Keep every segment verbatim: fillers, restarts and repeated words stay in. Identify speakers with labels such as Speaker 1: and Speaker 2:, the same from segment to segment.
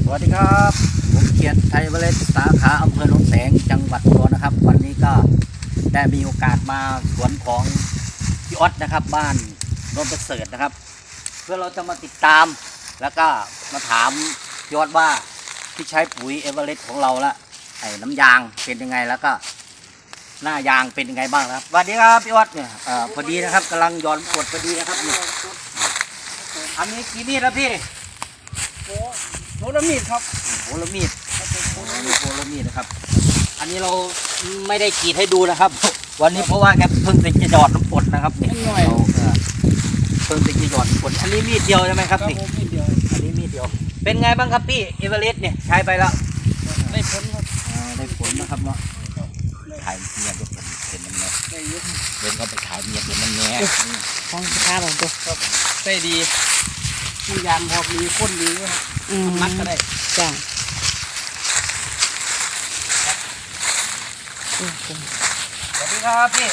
Speaker 1: วัสดีครับผมเขียนไทยเวลสสาขาอำเภอหนองแสงจังหวัดอุดรนะครับวันนี้ก็ได้มีโอกาสมาสวนของพี่ออสนะครับบ้านโนนประเสริฐนะครับเพื่อเราจะมาติดตามแล้วก็มาถามพี่ออสว่าที่ใช้ปุ๋ยเอเวอเรสต์ของเราละไอ้น้ำยางเป็นยังไงแล้วก็หน้ายางเป็นยังไงบ้างครับสวัสดีครับพี่ออสเนี่ยเอ่อพอดีนะครับกำลังย้อนกดพอดีนะครับนี่อันนี้กี่มีดแล้วพี่
Speaker 2: โอ้โหละมีดครับ
Speaker 1: โหระมีดโหระมีดนะครับอันนี้เราไม่ได้กรีดให้ดูนะครับวันนี้เพราะว่าแกเพิ่งจะหยอดน้ำกรดนะครับนี่เราเออเพิ่งจะหยอดน้ำกรดอันนี้มีดเดียวใช่ไหมครับนี่
Speaker 2: มีดเดียว
Speaker 1: อันนี้มีดเดียวเป็นไงบ้างครับพี่เอเวอเรสต์เนี่ยใช้ไปแล้ว
Speaker 2: ได้ผลครับ
Speaker 1: อ่าได้ผลนะครับเนาะถ่ายเมียด้วยผมเห็นมันแน่
Speaker 2: ได้เยอะ
Speaker 1: เดินเข้าไปถ่ายเมียเห็นมันแน่
Speaker 2: ฟองค้าของตัวครับได้ดีมียานพอมีข้นดีครับมัดก็ได้จ้า
Speaker 1: สวัสดีครับพี่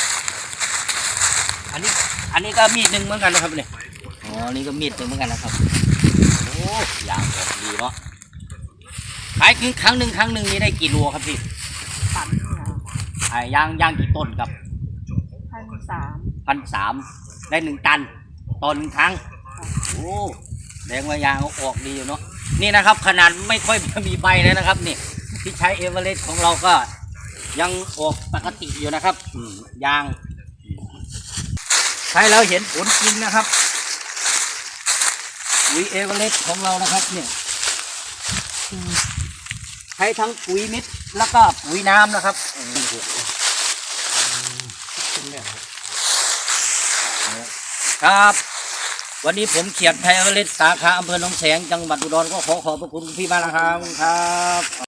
Speaker 1: อันนี้อันนี้ก็มีดหนึ่งเหมือนกันนะครับเนี่ยอ๋อนี่ก็มีดหนึ่งเหมือนกันนะครับโอ้ยางออกดีเนาะขายครั้งหนึ่งครั้งหนึ่งนี่ได้กี่โลครับพี่
Speaker 2: ตัน
Speaker 1: ไอ้ยางยางกี่ต้นครับ
Speaker 2: พันสาม
Speaker 1: พันสามได้หนึ่งตันต่อหนึ่งครั้งโอ้แดงว่ายางเขาออกดีอยู่เนาะนี่นะครับขนาดไม่ค่อยมีใบเลยนะครับนี่ที่ใช้เอเวอเรสต์ของเราก็ยังออกปกติอยู่นะครับอืมยางใช้แล้วเห็นผลจริงนะครับปุ๋ยเอเวอเรสต์ของเรานะครับเนี่ยใช้ทั้งปุ๋ยเม็ดแล้วก็ปุ๋ยน้ำนะครับครับวันนี้ผมเขียนไทยเอเวอเรสต์สาขาอำเภอหนองแสงจังหวัดอุดรก็ขอขอบพระคุณพี่มากนะครับครับ